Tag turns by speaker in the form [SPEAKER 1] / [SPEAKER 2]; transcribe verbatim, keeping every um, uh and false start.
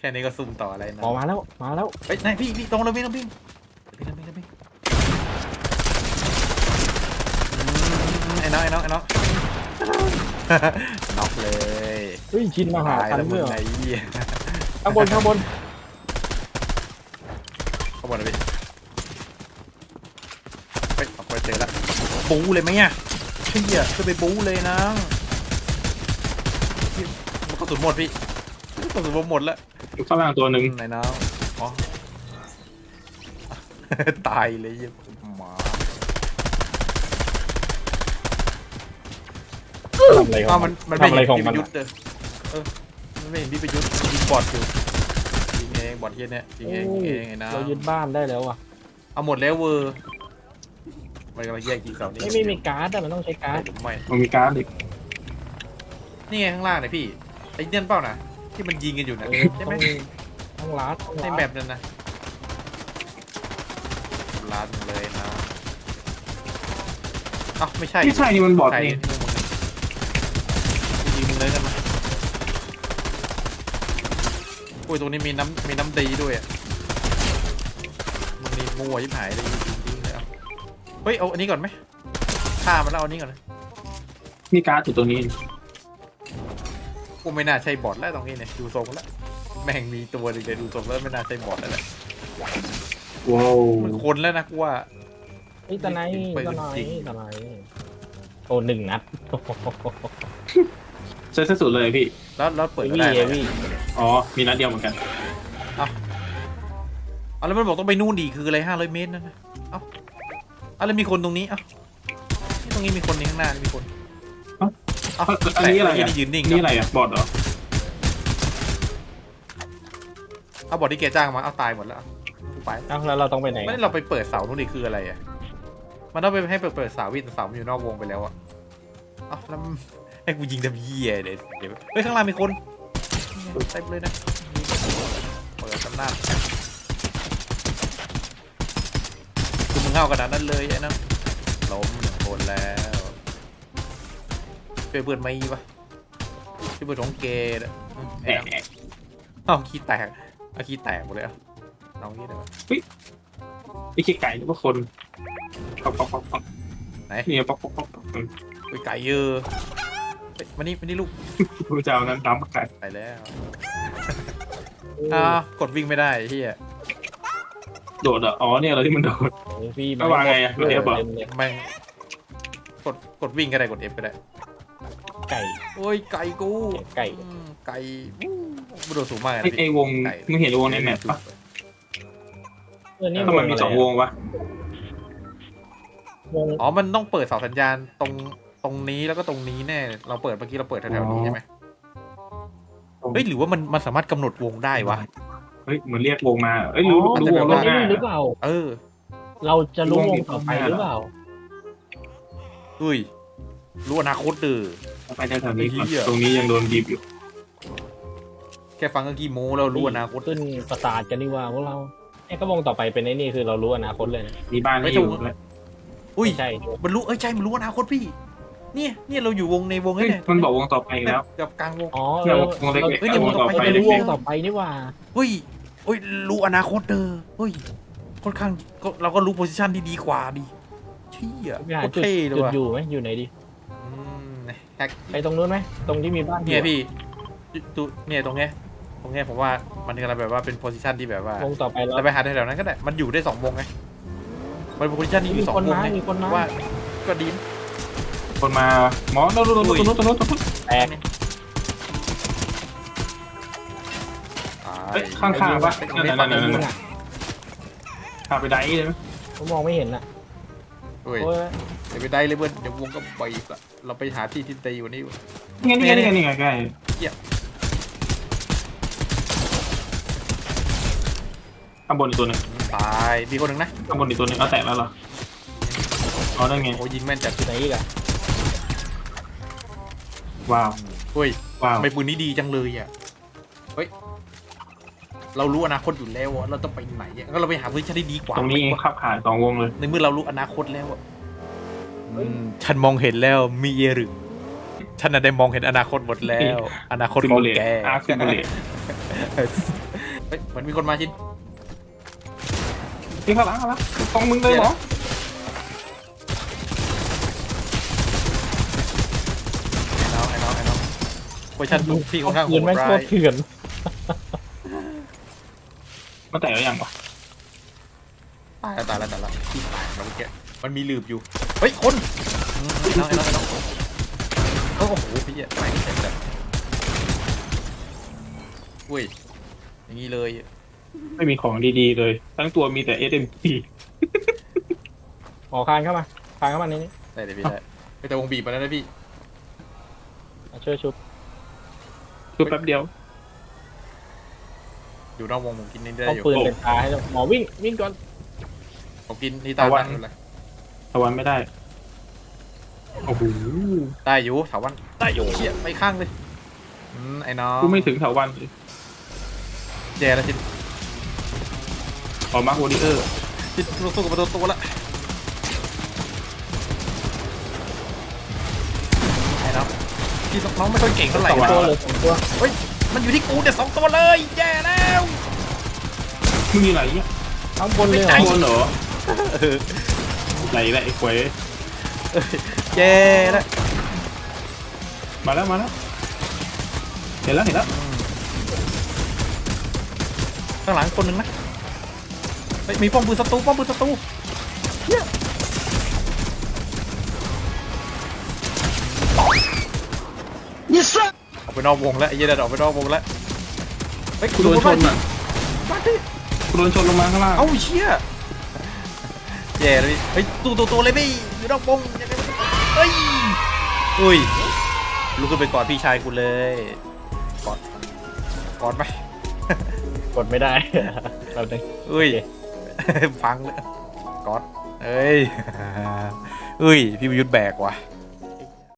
[SPEAKER 1] ค่นี้ก็ซุ่มต่ออะไรนะ
[SPEAKER 2] ออกมาแล้วมาแล้ว
[SPEAKER 1] เฮ้ยนายพี่พี่ตรงเลยพี่ต้องพี่พี่ต้องพี่ต้องพี่ไอ้น้องไอ้น้องไอ้น้องน็อกเลย
[SPEAKER 2] เฮ้ยชินมาหา
[SPEAKER 1] ตาย
[SPEAKER 2] คัน
[SPEAKER 1] แล้วมึ
[SPEAKER 2] เมื่
[SPEAKER 1] ง
[SPEAKER 2] อ
[SPEAKER 1] ไอ้เหี้ย
[SPEAKER 2] ข้างบนข้างบน
[SPEAKER 1] ข้างบนเลยพี่เฮ้ยออกไปเจอแล้วบู๊เลยไหมอ่ะเชี่ยจะไปบู๊เลยนะมันกระสุนหมดพี่กระสุนหมดแล้ว
[SPEAKER 3] อยู่ข้างล่างตัวหนึ่ง
[SPEAKER 1] ไหนน้องอ๋อ ตายเลยยี่หมา
[SPEAKER 2] ทำอะไรขอ
[SPEAKER 1] อ้าง ว
[SPEAKER 2] มั
[SPEAKER 1] มัน นมันไม่
[SPEAKER 2] ทำอะไร
[SPEAKER 1] เห็น
[SPEAKER 2] ของ
[SPEAKER 1] พี่ป
[SPEAKER 2] มัน
[SPEAKER 1] ระยุทธ์เด้อเออมันไม่เห็นพี่ประยุทธ์ยิงบอดอยู่ยิงเองบอดเฮียเนี่ยยิงเองยิงเองไอ้น้า
[SPEAKER 2] เรายึดบ้านได้แล้วอ่ะ
[SPEAKER 1] เอาหมดแล้วเวอร์มันกำลังแยกยิงเสานี่
[SPEAKER 2] ไม่ไม่มีการ์ดอะมันต้องใช้การ์ด
[SPEAKER 1] ไม่
[SPEAKER 3] มันมีการ์ดอีก
[SPEAKER 1] นี่ไงข้างล่างเนี่ยพี่ไอ้เดี่ยนเปล่านะที่มันยิงกันอยู่นะ
[SPEAKER 2] เออ
[SPEAKER 1] ใช่
[SPEAKER 2] ต้
[SPEAKER 1] ไหม
[SPEAKER 2] องต้องรัดต้อง
[SPEAKER 1] ใน
[SPEAKER 2] รัด
[SPEAKER 1] แบบนั้นนะล้านเลยนะเอ้าไม่ใช่
[SPEAKER 3] ไม่ใช่นี่มันบอด
[SPEAKER 1] ใช่
[SPEAKER 3] นี่
[SPEAKER 1] ที่มึงเลยยิงมึงเลยกันมาโอ้ยตรงนี้มีน้ำมีน้ำดีด้วยอ่ะมึงนี่มัวยิบหายเลยยิงยิงเลยเอาเฮ้ยเอาอันนี้ก่อนไหมฆ่ามันแล้วเอาอันนี้ก่อนนะ
[SPEAKER 3] มีการ์ดอยู่ตรงนี้
[SPEAKER 1] กูไม่น่าใช่บอทแล้วตรงนี้เนี่ยดูทรงแล้วแม่งมีตัวหนึงเลยดูทรงแล้วไม่น่าใช่บอทแล้วแหละ
[SPEAKER 3] ว้าว
[SPEAKER 1] มันคนแล้วนะกูว่า
[SPEAKER 2] ไอ้ตะไน
[SPEAKER 1] ปืน
[SPEAKER 2] ตะไน
[SPEAKER 1] จริง
[SPEAKER 2] ตะไนโอ้หนึ่งนัด
[SPEAKER 3] ใช้สุดเลยพี่
[SPEAKER 1] แล้วแล้วเปิดก็
[SPEAKER 2] วี่
[SPEAKER 1] ได้
[SPEAKER 2] เอ
[SPEAKER 1] ไหม
[SPEAKER 2] วี่
[SPEAKER 3] อ๋อมีนัดเดียวเหมือนกัน
[SPEAKER 1] เอาแล้วมันบอกต้องไปนู่นดีคืออะไรห้าร้อยเมตรนั่นนะเอ้าเอาแล้วมีคนตรงนี้เอ้านี่ตรงนี้มีคนนี่ข้างหน้านี่มีคนเอ้า
[SPEAKER 3] อันนี้อะไร
[SPEAKER 1] แต่
[SPEAKER 3] อ่ะ
[SPEAKER 1] นี่ยืนนิ่ง
[SPEAKER 3] นี่อะไรอ่ะบอดเหรอ
[SPEAKER 1] เอาบอทที่แกจ้างมาเอาตายหมดแล้วเอากูไป
[SPEAKER 2] เอ้าแล้วเราต้องไปไหน
[SPEAKER 1] ไม่ได้เราไปเปิดเสานู่นดีคืออะไรอ่ะมันต้องไปให้เปิดเปิดเสาวิ่งเสามันอยู่นอกวงไปแล้วอ่ะเอ้าแล้วให้กูยิงดำเยี่ยเดี๋ยวเดี๋ยวเฮ้ยข้างล่างมีคนเต็มเลยนะเปิดตำนานคือมึงเข้าขนาดนั้นเลยไอ้นั่นล้มหนึ่งคนแล้วช่วยเปิดไม่ปะช่วยเปิดของเกย์นะ
[SPEAKER 3] แห
[SPEAKER 1] ไอ้
[SPEAKER 3] ม
[SPEAKER 1] นั่นเอาขี้แตกเอาขี้แตกหมดเลยอ่ะน้องนี่ได้ปะ
[SPEAKER 3] ไอ้ขี้ไก่หรือว่าคนป๊อกป๊อกป๊อกป๊อก
[SPEAKER 1] ไหน
[SPEAKER 3] นี่ป๊อกป๊อกป๊อกป๊อก
[SPEAKER 1] ไปไก่เยอะเฮ้ยมานี่มานี่ลูก
[SPEAKER 3] พระเจ้านั้นน้ำไก่
[SPEAKER 1] ไปแล้วอ้าวกดวิ่งไม่ได้เฮีย
[SPEAKER 3] โดดอ่ะอ๋อเนี่ยเราที่มันโดด
[SPEAKER 2] โอ้พี่
[SPEAKER 3] ระวังไงอะ
[SPEAKER 2] เต็ม
[SPEAKER 3] เอฟเหรอ
[SPEAKER 2] เลย
[SPEAKER 1] แม่งกดกดวิ่งก็ได้กด F ก็ได้
[SPEAKER 2] ไก่
[SPEAKER 1] โอ้ยไก่กู
[SPEAKER 2] ไก่
[SPEAKER 1] อืมไก่มันโดดสูงมากเลย
[SPEAKER 3] ไอ้
[SPEAKER 1] นะ
[SPEAKER 3] ไอ้
[SPEAKER 1] พี่
[SPEAKER 3] วง
[SPEAKER 1] ไก่
[SPEAKER 3] มึงเห็นวงในแมปปะ
[SPEAKER 2] เออนี่
[SPEAKER 3] ทำไมมีสองวงวะ
[SPEAKER 2] วง
[SPEAKER 1] อ๋อมันต้องเปิดเสาสัญญาณตรงตรงนี้แล้วก็ตรงนี้แน่เราเปิดเมื่อกี้เราเปิดแถวๆนี้ใช่ไหมเฮ้ยหรือว่ามันมันสามารถกำหนดวงได้วะ
[SPEAKER 3] เฮ้ยเหมือนเรียกวงมาเอ้ยรู้
[SPEAKER 2] อ๋อ
[SPEAKER 3] รู้วง
[SPEAKER 2] ว
[SPEAKER 3] ล่วงหน้า
[SPEAKER 2] งนี้หรือเปล่า
[SPEAKER 1] เออ
[SPEAKER 2] เราจะรู้
[SPEAKER 3] วง
[SPEAKER 2] ว
[SPEAKER 3] นี้
[SPEAKER 2] งต่อไปหรือเปล่า
[SPEAKER 1] เฮ้ยรู้อนาคตเด้อ
[SPEAKER 3] ไปแถวๆนี้ก่อน
[SPEAKER 1] เหี้ย
[SPEAKER 3] ตรงนี้ยังโดนบีบอยู่
[SPEAKER 1] แค่ฟังก็กี่โมแล้วรู้อนาคต
[SPEAKER 2] ขึ้นประสาทกันดีกว่าพวกเราไอ้ก็วงต่อไปเป็นไอ้นี่คือเรารู้อนาคตเลยนะ
[SPEAKER 3] มีบ้านไม่อยู่เลย
[SPEAKER 1] อุ้ย
[SPEAKER 2] ใช่
[SPEAKER 1] มันรู้เอ้ยใช่มันรู้อนาคตพี่เนี่ยเนี่ยเราอยู่วงในวง
[SPEAKER 3] เฮ้ย
[SPEAKER 1] เนี่ย
[SPEAKER 3] มันบอกวงต่อไปแล้ว
[SPEAKER 1] กับกลางวง
[SPEAKER 2] อ๋อ
[SPEAKER 3] เนี่ย
[SPEAKER 2] เรา
[SPEAKER 3] วงเล็ก
[SPEAKER 2] เรา
[SPEAKER 3] ๆ
[SPEAKER 1] เฮ้ยเนี่ยวงต่อไป
[SPEAKER 2] เราจะรู้ว
[SPEAKER 3] เล็
[SPEAKER 2] ง
[SPEAKER 3] ก
[SPEAKER 2] ต่อไปนี่หว่า
[SPEAKER 1] เฮ้ยเฮ้ยรู้อนาคตเด้อเฮ้ยค่อนข้างก็เราก็รู้โพสิชันที่ดีกว่าดิเชี่ย
[SPEAKER 2] ไปหา
[SPEAKER 1] โคตร
[SPEAKER 2] จุด
[SPEAKER 1] เท่เลย
[SPEAKER 2] จุด
[SPEAKER 1] ว่ะ
[SPEAKER 2] อยู่ไหมอยู่ไหนดี
[SPEAKER 1] อืมแฮก
[SPEAKER 2] ไปตรงนู้นไหมตรงที่มีบ้าน
[SPEAKER 1] เนี่ยพี่จุเนี่ยตรงเนี้ยตรงเนี้ยผมว่ามันกำลังแบบว่าเป็นโพสิชันที่แบบว่าว
[SPEAKER 2] งต่อไปแล้ว
[SPEAKER 1] เราไปหาแถวๆนั้นก็ได้มันอยู่ได้สองวงไงมันเป็นโพสิชันที่มี
[SPEAKER 2] มี
[SPEAKER 1] สอง
[SPEAKER 2] คน
[SPEAKER 1] วง
[SPEAKER 2] มา
[SPEAKER 1] ไง
[SPEAKER 2] มีคนมา
[SPEAKER 1] ว่าก็ดี
[SPEAKER 3] คนมาหมอโน้ตโน้ตโน้ตโน้ตโน้ตโน้ต
[SPEAKER 2] แตก
[SPEAKER 3] เฮ้ยข้างๆปะ
[SPEAKER 1] ตรง
[SPEAKER 3] นั่น
[SPEAKER 1] นี้
[SPEAKER 3] นั่
[SPEAKER 1] ฝั่
[SPEAKER 3] น
[SPEAKER 1] ง
[SPEAKER 3] นั่น
[SPEAKER 1] นี้
[SPEAKER 3] นั่นพาไปได้เลยไหม
[SPEAKER 2] ผมมองไม่เห็นอ่ะ
[SPEAKER 1] เฮ้ย
[SPEAKER 2] โอ้ย
[SPEAKER 1] เดี๋ยวไปได้เลยเพื่อนเดี๋ยววงก็ไปอีกละเราไปหาที่ที่ตีวันนี้
[SPEAKER 3] นี่ไงนี่ไงนี่ไงนี่ไงใกล้ข้างบนอีกตัวหนึ่ง
[SPEAKER 1] ตายมีคนหนึ่งนะ
[SPEAKER 3] ข้างบนอีกตัวหนึ่งเอาแตกแล้วเหรออ๋อนั่นไง
[SPEAKER 1] โอ้ยิงแม่นจัด
[SPEAKER 2] ที่ไหนอีกอ่ะ
[SPEAKER 3] ว้าว
[SPEAKER 1] เฮ้ย
[SPEAKER 3] ว้าว
[SPEAKER 1] ทำไมปืนนี้ดีจังเลยอ่ะเฮ้ยเรารู้อนาคตอยู่แล้วอะเราต้องไปไหนอะก็เราไปหาพื้นที่ที่ดีกว่า
[SPEAKER 3] ตรงนี้เองขับผ่านสองวงเลย
[SPEAKER 1] ในเมื่อเรารู้อนาคตแล้วอะอืมฉันมองเห็นแล้วมีเอรึฉันน่ะได้มองเห็นอนาคตหมดแล้ว อนาคต
[SPEAKER 3] ซิ
[SPEAKER 1] ข
[SPEAKER 3] มู
[SPEAKER 1] อง
[SPEAKER 3] เลต
[SPEAKER 1] แก
[SPEAKER 3] อาร์ซิมูเลต
[SPEAKER 1] ฮ้ยเหมือนมีคนมาชิน
[SPEAKER 3] นี่ข้างหลังข้างหลังตรงมึงเลยเหรอ
[SPEAKER 1] ไอ้น้องไอ้น้องไอ้น้องโพชั่นพี่ค่อนข้างโห
[SPEAKER 2] ปืน
[SPEAKER 1] ด
[SPEAKER 2] แม่ง
[SPEAKER 1] ร้า
[SPEAKER 2] โค
[SPEAKER 1] ย
[SPEAKER 2] ตรเถื่อน
[SPEAKER 3] มาแต่แล้วยังวะ
[SPEAKER 1] ตายแล้วตายแล้วตายแล้วพี่ตายแล้วเมื่อกี้มันมีหลืบอยู่เฮ้ยคนอืมไอ้น้องไอ้น้องไอ้น้องโอ้โหพี่อะไม่เสร็จเลยอุ้ยอย่างนี้เลย
[SPEAKER 3] ไม่มีของดีๆเลย ทั้งตัวมีแต่ เอส เอ็ม พี
[SPEAKER 2] หมอคานเข้ามาคานเข้ามาในนี้
[SPEAKER 1] ได้เลยพี่ได้ไม่แต่วงบีบมาแล้วนะพี่
[SPEAKER 2] มาช่วยชุบ
[SPEAKER 3] คือแป๊บเดียว
[SPEAKER 1] อยู่นอกวงผมกินนี่ได้
[SPEAKER 2] เอา
[SPEAKER 1] อยู่
[SPEAKER 2] ปืนเป็นตาให้เราหมอวิ่งวิ่งก่อน
[SPEAKER 1] ผมกินนี่ตาย
[SPEAKER 3] ตะวัน
[SPEAKER 1] ตั้งอยู่เลย
[SPEAKER 3] ตะวันไม่ได้ โอ้โห
[SPEAKER 1] ได้อยู่ถาวันได้อยู่เชี่ยไม่ข้างเลยอืมไอ้น้อง
[SPEAKER 3] กูไม่ถึงแถววันเลย
[SPEAKER 1] แย่แล้วชิน
[SPEAKER 3] ออกมาโฮดิเออร์
[SPEAKER 1] ชินสู้กับประตูตัวละไอ้น้องพี่น้องไม่ค่อยเก่งเท่าไหร่
[SPEAKER 2] สอง
[SPEAKER 1] นะ
[SPEAKER 2] ตัวเลยสองตัว
[SPEAKER 1] เฮ้ยมันอยู่ที่กูเนี่ยสองตัวเลยแย่แล้ว
[SPEAKER 3] มึงมีอะไรเนี่ย
[SPEAKER 2] ข้างบนเลยเหร
[SPEAKER 3] ข้า
[SPEAKER 2] อง
[SPEAKER 3] บนเหรอ
[SPEAKER 1] เออ
[SPEAKER 3] ไหนแหละไอ้ควย
[SPEAKER 1] แย่แล้ว
[SPEAKER 3] มาแล้วมาแล้ว เห็นแล้วเห็นแล้ว
[SPEAKER 1] ข้างหลังคนหนึ่งนะเฮ้ยมีป้อมปืนศัตรูป้อมปืนศัตรูเหี้ยออกไปนอกวงแล้วไอ้เหี้ยเดินออกไปนอกวงแล้วเฮ้ย
[SPEAKER 3] กูโดนชนอ่ะ
[SPEAKER 1] มาดิ
[SPEAKER 3] กูโดนชนลงมาข้างล่าง
[SPEAKER 1] เอ้าเชี่ยแย่เลยพี่เฮ้ยตัวตัวตัวเลยพี่อยู่นอกวงยังไงมันเฮ้ยอุ้ยลุกขึ้นไปกอดพี่ชายกูเลยกอดกอดไป
[SPEAKER 2] กดไม่ได้ เราหนึ่ง
[SPEAKER 1] อุ้ย พังเลยกอดเอ้ย อุ้ย พี่ประยุทธ์แบกว่ะ